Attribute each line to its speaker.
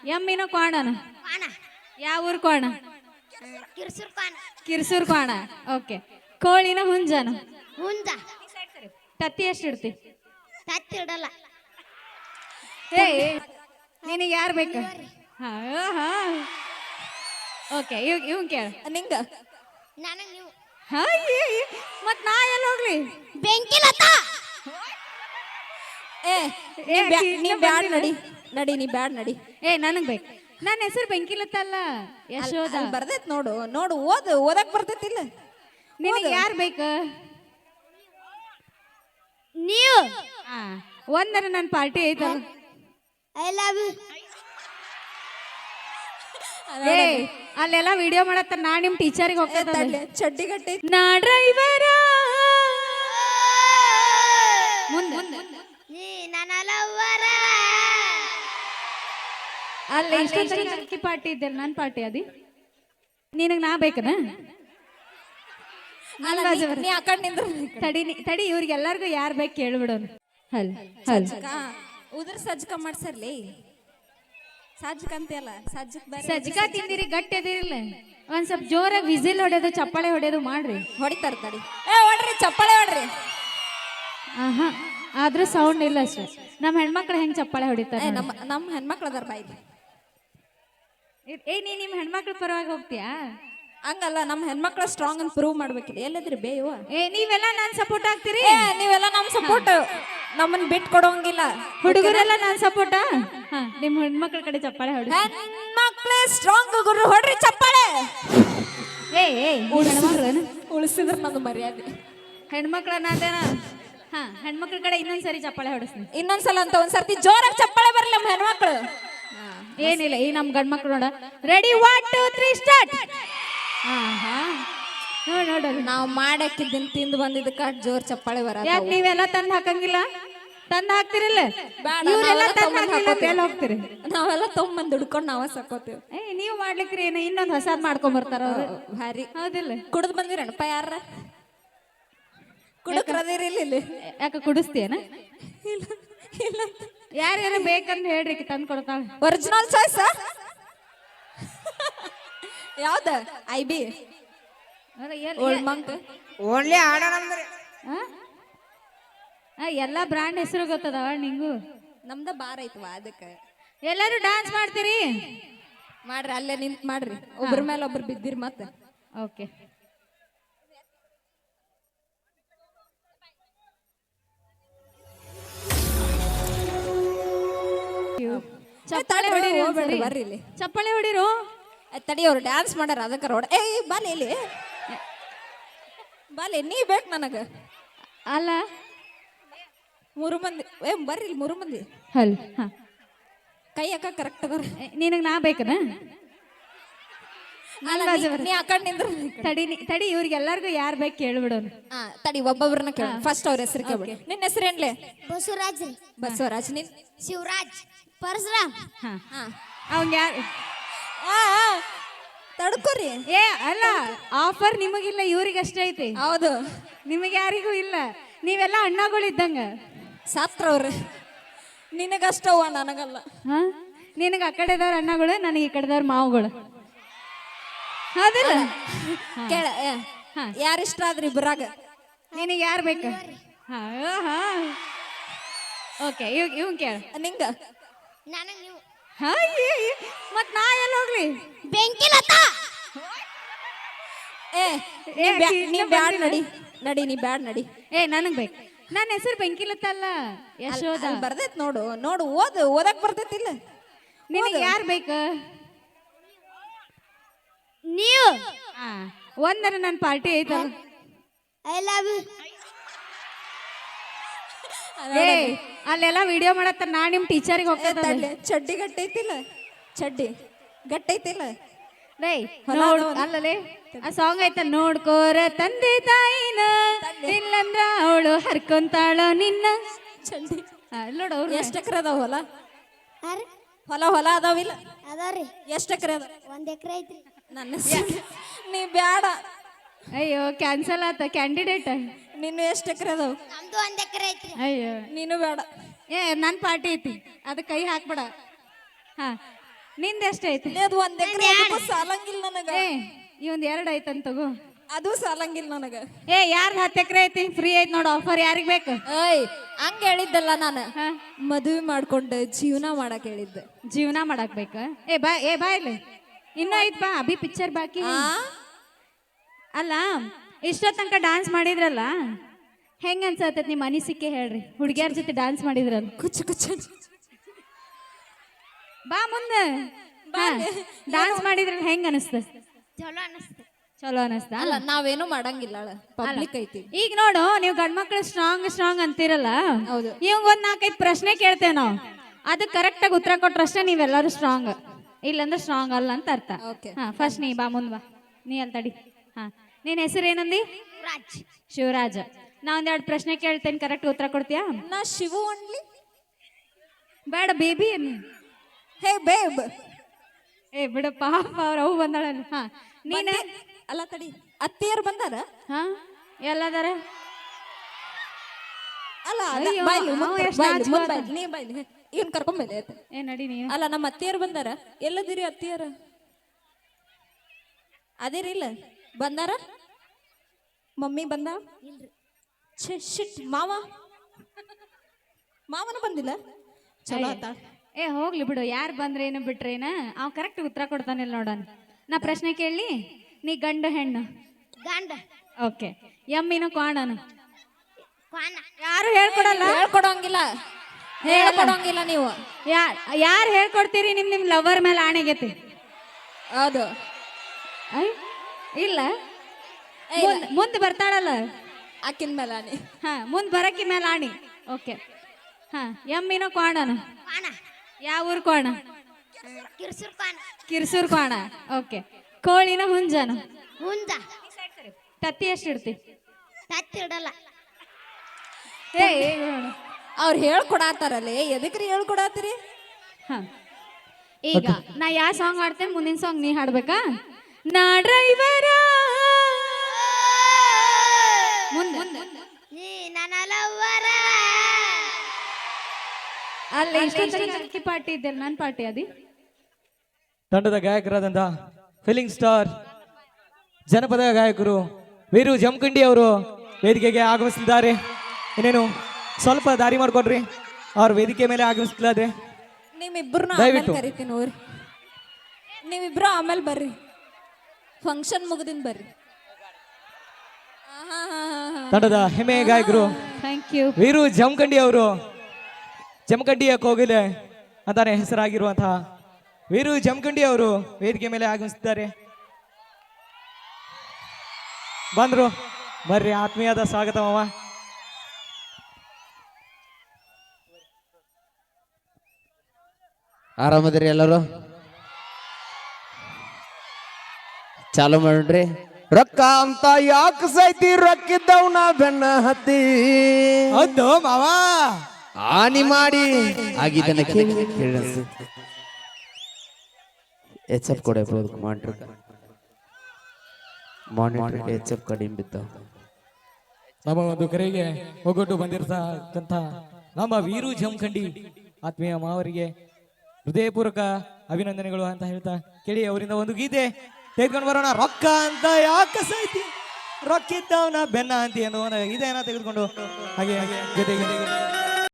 Speaker 1: ಎಮ್ಮಿನ ಕೋಣನ
Speaker 2: ಕಾಣ
Speaker 1: ಯಾವ ಊರ್ ಕೋಣ
Speaker 2: ಕಿರ್ಸುರ್ ಕಾಣ
Speaker 1: ಕಿರ್ಸೂರ್ ಕೋಣ ಓಕೆ ಕೋಳಿನ ಹುಂಜನ
Speaker 2: ಹುಂಜ
Speaker 1: ತತ್ತಿ ಎಷ್ಟು ಇಡ್ತಿ
Speaker 2: ತತ್ತಿ ಇಡಲ್ಲ
Speaker 1: ಏ ನಿನಗೆ ಯಾರು ಬೇಕು ಹಾ ಹಾ ಓಕೆ ಇವ್ ಕೇಳ
Speaker 3: ನಿಂಗ
Speaker 2: ನನಗೆ ನೀವು
Speaker 1: ಹಾ ಮತ್ ನಾ ಎಲ್ಲ ಹೋಗ್ಲಿ
Speaker 2: ಬೆಂಕಿ ಲತಾ
Speaker 3: ಏ
Speaker 1: ಏ,
Speaker 3: ನೀ ಬ್ಯಾಡ್ ನಡಿ ನಡಿ ನೀ ಬ್ಯಾಡ್ ನಡಿ
Speaker 1: ಏ ನನಗ್ ಬೇಕು ನನ್ನ ಹೆಸರು ಬೆಂಕಿಲತ್ತ ಅಲ್ಲ ಯಶೋದ
Speaker 3: ಅಲ್ಲಿ ಬರ್ದೈತ್ ನೋಡು ನೋಡು ಓದಕ್ ಬರ್ತೈತಿಲ್ಲ
Speaker 1: ನಿನಗೆ ಯಾರು ಬೇಕು
Speaker 2: ನೀವು
Speaker 1: ಹಾ ಒಂದರ ನನ್ನ ಪಾರ್ಟಿ ಐತಲ್ಲ
Speaker 2: ಐ ಲವ್ ಯು
Speaker 1: ಏ ಅಲ್ಲೆಲ್ಲ ವಿಡಿಯೋ ಮಾಡತ್ತ ನಾ ನಿಮ್ ಟೀಚರಿಗೆ ಹೋಗ್ತೇನೆ
Speaker 3: ಚಡ್ಡಿ ಗಟ್ಟೆ
Speaker 1: ನಾ ಡ್ರೈವರ ಮುಂದೆ
Speaker 2: ನೀ ನನ್ನ ಲವ್ವರ
Speaker 1: ಅಲ್ಲಿ ಇಷ್ಟೊಂದು ಪಾರ್ಟಿ ಇದ್ದಿಲ್ಲ ನನ್ನ ಪಾರ್ಟಿ ಅದಿ ನಿನಗೆ ನಾ ಬೇಕನ
Speaker 3: ನೀ ಆ ಕಡೆ ನಿಂದ್ರು
Speaker 1: ತಡಿ ಇವ್ರಿಗೆಲ್ಲರಿಗೂ ಯಾರು ಬೇಕು ಕೇಳ್ಬಿಡೋನು ಹಲ್ ಹಲ್
Speaker 3: ಉದ್ರ ಸಜ್ಜಕ ಮಾಡ್ಸರ್ಲಿ ಸಜ್ಜಕ ಅಂತೆಲ್ಲ ಸಜ್ಜಕ್ ಬೇರೆ
Speaker 1: ಸಜ್ಜಿಕಾ ತಿಂದಿರಿ ಗಟ್ಟಿ ಅದಿರಿಲ್ಲ ಒಂದ್ ಸ್ವಲ್ಪ ಜೋರಾಗಿ ವಿಸಿಲ್ ಹೊಡೆಯೋದು ಚಪ್ಪಾಳೆ ಹೊಡೆಯೋದು ಮಾಡ್ರಿ
Speaker 3: ಹೊಡಿತಾರ ತಡಿ ಹೊಡ್ರಿ ಚಪ್ಪಾಳೆ ಹೊಡ್ರಿ
Speaker 1: ಆಹಾ ಆದ್ರೂ ಸೌಂಡ್ ಇಲ್ಲ ಅಷ್ಟೇ ನಮ್ಮ ಹೆಣ್ಮಕ್ಳು ಹೆಂಗ್ ಚಪ್ಪಾಳೆ ಹೊಡಿತಾರೆ
Speaker 3: ನಮ್ಮ ಹೆಣ್ಮಕ್ಳು ಅದಾರ ಬಾಯಿಗೆ
Speaker 1: ಏ ನೀ ನಿಮ್ಮ ಹೆಣ್ಮಕ್ಳ ಪರವಾಗಿ ಹೋಗ್ತೀಯಾ
Speaker 3: ಹಂಗಲ್ಲ ನಮ್ಮ ಹೆಣ್ಮಕ್ಳು ಸ್ಟ್ರಾಂಗ್ ಅಂತ ಪ್ರೂವ್ ಮಾಡ್ಬೇಕಿಲ್ಲ ಎಲ್ಲದ್ರಿ ಬೇಯುವ
Speaker 1: ಏ ನೀವೆಲ್ಲ ನಾನ್ ಸಪೋರ್ಟ್ ಆಗ್ತೀರಿ
Speaker 3: ನೀವೆಲ್ಲ ನಮ್ ಸಪೋರ್ಟ್ ನಮ್ಮನ್ ಬಿಟ್ ಕೊಡೋಂಗಿಲ್ಲ
Speaker 1: ಹುಡುಗರೆಲ್ಲ ನಾನ್ ಸಪೋರ್ಟ ನಿಮ್ಮ ಹೆಣ್ಮಕ್ಳ ಕಡೆ ಚಪ್ಪಾಳೆ ಹೊಡಿ
Speaker 3: ಹೆಣ್ಮಕ್ಳೇ ಸ್ಟ್ರಾಂಗ್ ಗುರು ಹೊಡ್ರಿ ಚಪ್ಪಾಳೆ
Speaker 1: ಏ ಹೆಣ್ಮಕ್ಳು
Speaker 3: ಉಳಿಸಿದ್ರ ನಂದು ಮರ್ಯಾದೆ
Speaker 1: ಹೆಣ್ಮಕ್ಳನ್ನ ಅದೇನ ಹಾ ಹೆಣ್ಮಕ್ಳ ಕಡೆ ಇನ್ನೊಂದ್ಸರಿ ಚಪ್ಪಾಳೆ ಹೊಡಿಸ್ತೀನಿ
Speaker 3: ಇನ್ನೊಂದ್ಸಲ ಅಂತ ಒಂದ್ಸರ್ತಿ ಜೋರಾಗಿ ಚಪ್ಪಾಳೆ ಬರ್ಲಿ ನಮ್ಮ ಹೆಣ್ಮಕ್ಳು
Speaker 1: ಏನಿಲ್ಲ ಈ ನಮ್ ಗಂಡ್ಮಕ್ಳು ನೋಡ ರೆಡಿ 1 2 3 ಸ್ಟಾರ್ಟ್ ಹಾ ಹಾ ನೋಡ
Speaker 3: ನಾವ್ ಮಾಡಕ್ಕಿದ್ದನ್ ತಿಂದು ಬಂದಿದ್ದಕ್ಕ ಜೋರ್ ಚಪ್ಪಾಳೆ ಬರ
Speaker 1: ಯಾಕೆ ನೀವೆಲ್ಲ ತಂದ್ ಹಾಕಂಗಿಲ್ಲ ತಂದ್ ಹಾಕ್ತಿರಿಲ್ಲ
Speaker 3: ಬೇಡ,
Speaker 1: ಇವರೆಲ್ಲ
Speaker 3: ನಾವೆಲ್ಲ
Speaker 1: ತಂದ್
Speaker 3: ತಗೊಂಡ್
Speaker 1: ಹಾಕಿಲ್ಲ ಎಲ್ಲಿ ಹೋಗ್ತೀರಿ
Speaker 3: ನಾವೆಲ್ಲ ತೊಗೊಂಬಂದ್ ದುಡ್ಕೊಂಡು ನಾವ ಸಾಕೋತೀವಿ
Speaker 1: ಏ ನೀವು ಮಾಡ್ಲಿಕ್ರಿ ಏನ ಇನ್ನೊಂದ್ ಹೊಸಾದ್ ಮಾಡ್ಕೊಂಡ್ ಬರ್ತಾರ ಅವ್ರು
Speaker 3: ಭಾರಿ
Speaker 1: ಹೌದಿಲ್ಲ
Speaker 3: ಕುಡ್ದು ಬಂದಿರಣ್ಣಪ್ಪ ಯಾರ ಕುಡಕ್ರದಿರಿ ಇಲ್ಲಿ
Speaker 1: ಯಾಕ ಕುಡಿಸ್ತೀಯನ
Speaker 3: ಇಲ್ಲ ಇಲ್ಲ
Speaker 1: ಯಾರ್ಯಾರ ಬೇಕಂತ ಹೇಳ್ರಿ ತಂದ್ ಕೊಡ್ತಾಳ
Speaker 3: ಒರಿಜಿನಲ್ ಚಾಯ್ಸ್ ಯಾವ್ದ IB ಓಲ್ಡ್ ಮಂಕ್
Speaker 4: ಓನ್ಲಿ ಆಡೋಣಂದ್ರಿ
Speaker 1: ಎಲ್ಲಾ ಬ್ರಾಂಡ್ ಹೆಸರು ಗೊತ್ತದವ ನಿಂಗು
Speaker 3: ನಮ್ದ ಬಾರ್ ಐತ್ವಾ ಅದಕ್ಕೆ
Speaker 1: ಎಲ್ಲರೂ ಡಾನ್ಸ್ ಮಾಡ್ತೀರಿ
Speaker 3: ಮಾಡ್ರಿ ಅಲ್ಲೇ ನಿಂತ್ ಮಾಡ್ರಿ ಒಬ್ರ ಮೇಲೆ ಒಬ್ರು ಬಿದ್ದಿರಿ ಮತ್ತೆ
Speaker 1: ಓಕೆ ಚಪ್ಪಾಳೆ ಹೊಡಿರಿ ಒಂದ್ಸರಿ.
Speaker 3: ಬರ್ರಿ ಇಲ್ಲಿ
Speaker 1: ಚಪ್ಪಾಳೆ ಹೊಡಿರು
Speaker 3: ತಡಿ ಅವ್ರು ಡ್ಯಾನ್ಸ್ ಮಾಡ್ಯಾರ ಅದಕ್ಕೆ ರೋಡ್ ಬಾಲಿ ಇಲ್ಲಿ ಬಾಲಿ ನೀ ಬೇಕು ನನಗ
Speaker 1: ಅಲ್ಲ
Speaker 3: ಮೂರು ಮಂದಿ ಬರ್ರಿ ಇಲ್ಲಿ ಮೂರು ಮಂದಿ
Speaker 1: ಹಲ್ ಹಾ
Speaker 3: ಕೈ ಅಕ್ಕ ಕರೆಕ್ಟ್ ಅದಾರ
Speaker 1: ನಿನಗ್ ನಾ ಬೇಕನ
Speaker 3: ನೀ ಆ ಕಡೆ ನಿಂದ್ರು
Speaker 1: ತಡಿ ಇವ್ರಿಗೆಲ್ಲರಿಗೂ ಯಾರು ಬೇಕು ಕೇಳ್ಬಿಡೋನು
Speaker 3: ತಡಿ ಒಬ್ಬೊಬ್ರನ್ನ ಕೇಳ ಫಸ್ಟ್ ಅವ್ರ ಹೆಸರು ಕೇಳ್ಬಿಡಿ ನಿನ್ನ ಹೆಸರೇನ್ಲೆ
Speaker 2: ಬಸವರಾಜ್ ರೀ
Speaker 3: ಬಸವರಾಜ್ ನಿನ್
Speaker 2: ಶಿವರಾಜ್ ಪರಶುರಾಮ್
Speaker 1: ಅವಂಗ ಯಾರು
Speaker 3: ತಡ್ಕೋರಿ
Speaker 1: ಏ ಅಲ್ಲ ಆಫರ್ ನಿಮಗಿಲ್ಲ ಇವ್ರಿಗಷ್ಟೇ ಐತಿ
Speaker 3: ಹೌದು
Speaker 1: ನಿಮಗೆ ಯಾರಿಗೂ ಇಲ್ಲ ನೀವೆಲ್ಲ ಅಣ್ಣಗಳಿದ್ದಂಗ
Speaker 3: ಸಾತ್ರವ್ರ ನಿನಗಷ್ಟವ ನನಗಲ್ಲ
Speaker 1: ಹಾ ನಿನಗೆ ಆ ಕಡೆದವ್ರ ಅಣ್ಣಗಳು ನನಗೆ ಈ ಕಡೆದವ್ರ ಮಾವುಗಳು ಹೌದಿಲ್ಲ
Speaker 3: ಕೇಳ ಯಾರಿಷ್ಟ ಆದ್ರಿ ಇಬ್ಬರಾಗ
Speaker 1: ನಿನಗೆ ಯಾರು ಬೇಕು ಹಾ ಹಾ ಓಕೆ ಇವ್ ಕೇಳ
Speaker 3: ನಿಂಗ
Speaker 2: ನನಗೆ ನೀವು
Speaker 1: ಹಾ ಮತ್ ನಾ ಎಲ್ಲ ಹೋಗ್ಲಿ
Speaker 2: ಬೆಂಕಿ ಲತಾ
Speaker 3: ನೀ ಬ್ಯಾಡ್ ನಡಿ ನಡಿ ನೀ ಬ್ಯಾಡ್ ನಡಿ
Speaker 1: ಏ ನನಗ್ ಬೇಕು ನನ್ನ ಹೆಸರು ಬೆಂಕಿಲತ್ತ ಅಲ್ಲ ಯಶೋದ
Speaker 3: ಅಲ್ಲಿ ಬರ್ದೈತ್ ನೋಡು ನೋಡು ಓದಕ್ ಬರ್ತೈತಿಲ್ಲ
Speaker 1: ನಿನಗೆ ಯಾರು ಬೇಕು
Speaker 2: ನೀವು
Speaker 1: ಹಾ ಒಂದರ ನನ್ನ ಪಾರ್ಟಿ ಐತಲ್ಲ
Speaker 2: ಐ ಲವ್ ಯು
Speaker 1: ಏ ಅಲ್ಲೆಲ್ಲ ವಿಡಿಯೋ ಮಾಡತ್ತ ನಾ ನಿಮ್ ಟೀಚರಿಗೆ ಹೋಗ್ತೇನೆ
Speaker 3: ಚಡ್ಡಿ ಗಟ್ಟೈತಿಲ್ಲ ಚಡ್ಡಿ ಗಟ್ಟೈತಿಲ್ಲ
Speaker 1: ರೈ ನೋಡು ಅಲ್ಲಲೇ ಆ ಸಾಂಗ್ ಐತ ನೋಡ್ಕೋರ ತಂದೆ ತಾಯಿನ ಇಲ್ಲಂದ್ರ ಅವಳು ಹರ್ಕೊಂತಾಳ ನಿನ್ನ
Speaker 3: ಚಡ್ಡಿ
Speaker 1: ನೋಡು ಅವ್ರು
Speaker 3: ಎಷ್ಟ್ ಎಕರೆ ಅದಾವ ಹೊಲ
Speaker 2: ಯಾರು
Speaker 3: ಹೊಲ ಅದಾವಿಲ್ಲ
Speaker 2: ಅದಾವ್ರಿ
Speaker 3: ಎಷ್ಟ್ ಎಕರೆ ಅದ
Speaker 2: 1 ಎಕರೆ ಐತ್ರಿ
Speaker 3: ನನ್ನ ನೀ ಬ್ಯಾಡ
Speaker 1: ಅಯ್ಯೋ ಕ್ಯಾನ್ಸಲ್ ಆತ ಕ್ಯಾಂಡಿಡೇಟ್
Speaker 3: ನೀನು ಎಷ್ಟ್ ಎಕರೆ ಅದಾವ
Speaker 2: ನಮ್ದು 1 ಎಕರೆ ಐತ್ರಿ
Speaker 1: ಅಯ್ಯೋ
Speaker 3: ನೀನು ಬೇಡ
Speaker 1: ಏ ನನ್ನ ಪಾರ್ಟಿ ಐತಿ ಅದಕ್ಕೆ ಕೈ ಹಾಕ್ಬೇಡ ಹಾ ನಿಂದ ಎಷ್ಟೈತಿ
Speaker 3: ಅದು 1 ಎಕರೆ ಸಾಲಂಗಿಲ್ಲ ನನಗ.
Speaker 1: ಏ ಈ ಒಂದ್ 2 ಐತಂತ ತಗೋ.
Speaker 3: ಅದು ಸಾಲಂಗಿಲ್ಲ ನನಗ.
Speaker 1: ಏ ಯಾರ್ದು 10 ಎಕರೆ ಐತಿ ಫ್ರೀ ಐತಿ ನೋಡು ಆಫರ್ ಯಾರಿಗ್ ಬೇಕು?
Speaker 3: ಏಯ್ ಹಂಗ ಹೇಳಿದ್ದಲ್ಲ ನಾನು.
Speaker 1: ಹಾ
Speaker 3: ಮದುವೆ ಮಾಡ್ಕೊಂಡು ಜೀವನ ಮಾಡಕ್ ಹೇಳಿದ್ದೆ.
Speaker 1: ಜೀವನ ಮಾಡಕ್ ಬೇಕ. ಏ ಬಾ ಇಲ್ಲಿ ಇನ್ನೂ ಐತ್ ಬಾ ಅಭಿ ಪಿಕ್ಚರ್ ಬಾಕಿ. ಅಲ್ಲ ಇಷ್ಟೋ ತನಕ ಡಾನ್ಸ್ ಮಾಡಿದ್ರಲ್ಲ ಹೆಂಗ ಅನ್ಸತ್ತೈತಿ ನಿಮ್ಮ ಅನಿಸಿಕೆ ಹೇಳ್ರಿ. ಹುಡುಗಿಯರ ಜೊತೆ ಡಾನ್ಸ್ ಮಾಡಿದ್ರಲ್ಲ
Speaker 3: ಕುಚ್ಚು ಕುಚ್ಚು
Speaker 1: ಬಾ ಮುಂದೆ ಡಾನ್ಸ್ ಮಾಡಿದ್ರಲ್ಲ ಹೆಂಗ ಅನಿಸ್ತ?
Speaker 2: ಚಲೋ ಅನಿಸ್ತು.
Speaker 1: ಚಲೋ ಅನಿಸ್ತಾ?
Speaker 3: ಅಲ್ಲ ನಾವೇನು ಮಾಡಂಗಿಲ್ಲ ಪಬ್ಲಿಕ್ ಐತಿ.
Speaker 1: ಈಗ ನೋಡು ನೀವು ಗಂಡ್ಮಕ್ಳು ಸ್ಟ್ರಾಂಗ್ ಅಂತೀರಲ್ಲ,
Speaker 3: ಹೌದು.
Speaker 1: ಇವಂಗ ಒಂದ್ 4-5 ಪ್ರಶ್ನೆ ಕೇಳ್ತೇವೆ ನಾವು. ಅದು ಕರೆಕ್ಟ್ ಆಗಿ ಉತ್ತರ ಕೊಟ್ರಷ್ಟೇ ನೀವೆಲ್ಲರೂ ಸ್ಟ್ರಾಂಗ್, ಇಲ್ಲಂದ್ರೆ ಸ್ಟ್ರಾಂಗ್ ಅಲ್ಲ ಅಂತ ಅರ್ಥ. ಹಾ ಫಸ್ಟ್ ನೀ ಬಾ ಮುಂದ್ ಬಾ. ನೀ ಅಲ್ಲಿ ತಡಿ. ಹಾ ನಿನ್ ಹೆಸರು ಏನಂದಿ?
Speaker 2: ರಾಜ್.
Speaker 1: ಶಿವರಾಜ. ನಾ ಒಂದೆರಡು ಪ್ರಶ್ನೆ ಕೇಳ್ತೇನೆ, ಕರೆಕ್ಟ್ ಉತ್ತರ ಕೊಡ್ತೀಯಾ?
Speaker 3: ನಾ ಶಿವು ಅನ್ಲಿ?
Speaker 1: ಬೇಡ ಬೇಬಿ.
Speaker 3: ಹೇ ಬೇಬ್.
Speaker 1: ಏ ಬಿಡ ಪಾಪ ಅವ್ರ ಅವು ಬಂದಾಳಲ್ಲ. ಹಾ ನೀನ
Speaker 3: ಅಲ್ಲ ತಡಿ, ಅತ್ತಿಯರು ಬಂದಾರ?
Speaker 1: ಹಾ ಎಲ್ಲದಾರ?
Speaker 3: ಅಲ್ಲ
Speaker 1: ಅಯ್ಯೋ, ಅವ ಎಷ್ಟ್ ನಾಚ್ಕೋತ.
Speaker 3: ನೀ ಬಾಯ್ಲಿ ಇವನ್ ಕರ್ಕೊಂಬೈಲೆ.
Speaker 1: ಏ ನಡಿ ನೀವು.
Speaker 3: ಅಲ್ಲ ನಮ್ಮ ಅತ್ತಿಯರು ಬಂದಾರ. ಎಲ್ಲದಿರಿ ಅತ್ತಿಯರ? ಅದೇರಿಲ್ಲ ಬಂದಾರ? ಮಮ್ಮಿ ಬಂದ? ಶಿಟ್ ಮಾವನ ಬಂದಿಲ್ಲ. ಚಲೋ ಆತ.
Speaker 1: ಏ ಹೋಗ್ಲಿ ಬಿಡು, ಯಾರು ಬಂದ್ರೇನು ಬಿಟ್ರೇನ ಅವ್ ಕರೆಕ್ಟ್ ಉತ್ತರ ಕೊಡ್ತಾನಿಲ್ಲ ನೋಡೋಣ. ನಾ ಪ್ರಶ್ನೆ ಕೇಳಿ, ನೀ ಗಂಡು ಹೆಣ್ಣು?
Speaker 2: ಗಂಡ.
Speaker 1: ಓಕೆ. ಎಮ್ಮಿನ ಕ್ವಾಣನು?
Speaker 2: ಕ್ವಾನ.
Speaker 1: ಯಾರು ಹೇಳ್ಕೊಡಲ್ಲ?
Speaker 3: ಹೇಳ್ಕೊಡಂಗಿಲ್ಲ ನೀವು.
Speaker 1: ಯಾರು ಹೇಳ್ಕೊಡ್ತೀರಿ? ನಿಮ್ ಲವರ್ ಮೇಲೆ ಆಣೆಗೆತಿ.
Speaker 3: ಹೌದು.
Speaker 1: ಐ ಇಲ್ಲ, ಮುಂದೆ ಬರ್ತಾಳಲ್ಲ
Speaker 3: ಆಕಿನ ಮೇಲೆ ಆಣಿ.
Speaker 1: ಹಾ ಮುಂದೆ ಬರಕ್ಕಿ ಮೇಲೆ ಆಣಿ. ಓಕೆ. ಹಾ ಎಮ್ಮಿನ ಕ್ವಾಣನು?
Speaker 2: ಕ್ವಾನ.
Speaker 1: ಯಾವ ಊರ್ ಕ್ವಾಣ?
Speaker 2: ಕಿರ್ಸುರ್ ಕ್ವಾನ.
Speaker 1: ಕಿರ್ಸೂರ್ ಕ್ವಾಣ. ಓಕೆ. ಕೋಳಿನ ಹುಂಜನು?
Speaker 2: ಹುಂಜ.
Speaker 1: ತತ್ತಿ ಎಷ್ಟು ಇಡ್ತಿ?
Speaker 2: ತತ್ತಿ ಇಡಲ್ಲ.
Speaker 1: ಏ
Speaker 3: ಅವ್ರು ಹೇಳ್ಕೊಡಾತಾರಲ್ಲೇ, ಎದಕ್ರಿ ಹೇಳ್ಕೊಡಾತಿರಿ?
Speaker 1: ಹಾ ಈಗ ನಾ ಯಾವ ಸಾಂಗ್ ಹಾಡ್ತೇನೆ, ಮುಂದಿನ ಸಾಂಗ್ ನೀ ಹಾಡ್ಬೇಕಾ? ನಾ ಡ್ರೈವರ ಮುಂದೆ
Speaker 2: ನೀ ನನ್ನ ಲವ್ವರ.
Speaker 1: ಅಲ್ಲ ಇಷ್ಟ ಪಾರ್ಟಿ ಇದ್ದಲ್ಲ, ನನ್ನ ಪಾರ್ಟಿ ಅದಿ.
Speaker 5: ತಂಡದ ಗಾಯಕರಾದಂಥ ಫೀಲಿಂಗ್ ಸ್ಟಾರ್ ಜನಪದ ಗಾಯಕರು ವೀರು ಜಮಖಂಡಿ ಅವರು ವೇದಿಕೆಗೆ ಆಗಮಿಸಿದ್ದಾರೆ. ಇನ್ನೇನು ಸ್ವಲ್ಪ ದಾರಿ ಮಾಡ್ಕೊಡ್ರಿ, ಅವ್ರ ವೇದಿಕೆ ಮೇಲೆ ಆಗಮಿಸ್ತಿದ್ದಾರೆ.
Speaker 3: ನಿಮ್ಮಿಬ್ಬರನ್ನ
Speaker 5: ದಯವಿಟ್ಟು.
Speaker 3: ಕರಿತೀನಿ ನೋಡ್ರಿ. ನೀವಿಬ್ರು ಆಮೇಲೆ ಬರ್ರಿ, ಫಂಕ್ಷನ್ ಮುಗಿದಿನ ಬರ್ರಿ.
Speaker 5: ತಂಡದ ಹೆಮ್ಮೆ ಗಾಯಕರು
Speaker 1: ಥ್ಯಾಂಕ್ ಯು.
Speaker 5: ವೀರು ಜಮಖಂಡಿ ಅವರು, ಜಮಖಂಡಿಯ ಕೋಗಿಲೆ ಅಂತಾನೆ ಹೆಸರಾಗಿರುವಂತಹ ವೀರು ಜಮಖಂಡಿ ಅವರು ವೇದಿಕೆ ಮೇಲೆ ಆಗಮಿಸಿದ್ದಾರೆ. ಬಂದ್ರು, ಬರ್ರಿ, ಆತ್ಮೀಯದ ಸ್ವಾಗತ ಮಾವ.
Speaker 6: ಆರಾಮದ್ರಿ ಎಲ್ಲರೂ? ಚಾಲು ಮಾಡ್ರಿ. ರೊಕ್ಕ ಅಂತ ಯಾಕೆ ಸೈತಿ, ರೊಕ್ಕಿದ್ದವನ ಬೆನ್ನ ಹತ್ತಿ
Speaker 5: ಹೌದು ಮಾವ,
Speaker 6: ಹಾನಿ ಮಾಡಿ ಆಗಿದ್ದನ್ನ ಕೇಳಿ ಎಚ್ ಎಫ್ ಕೊಡೆ ಮಾನಿಟರ್ ಎಚ್ ಎಫ್ ಕಡಿಮೆ ಬಿದ್ದ.
Speaker 5: ನಮ್ಮ ಒಂದು ಕರೆಗೆ ಒಗ್ಗಟ್ಟು ಬಂದಿರತಕ್ಕಂಥ ನಮ್ಮ ವೀರು ಜಮಖಂಡಿ ಆತ್ಮೀಯ ಮಾವರಿಗೆ ಹೃದಯಪೂರ್ವಕ ಅಭಿನಂದನೆಗಳು ಅಂತ ಹೇಳ್ತಾ ಕೇಳಿ ಅವರಿಂದ ಒಂದು ಗೀತೆ ತೆಗೆದುಕೊಂಡು ಬರೋಣ. ರೊಕ್ಕ ಅಂತ ಯಾಕೆ ಸೈತಿ, ರೊಕ್ಕಿದ್ದವನ ಬೆನ್ನ ಅಂತ ಅನ್ನೋ ಇದೇನ ತೆಗೆದುಕೊಂಡು ಹಾಗೆ ಜೊತೆಗೆ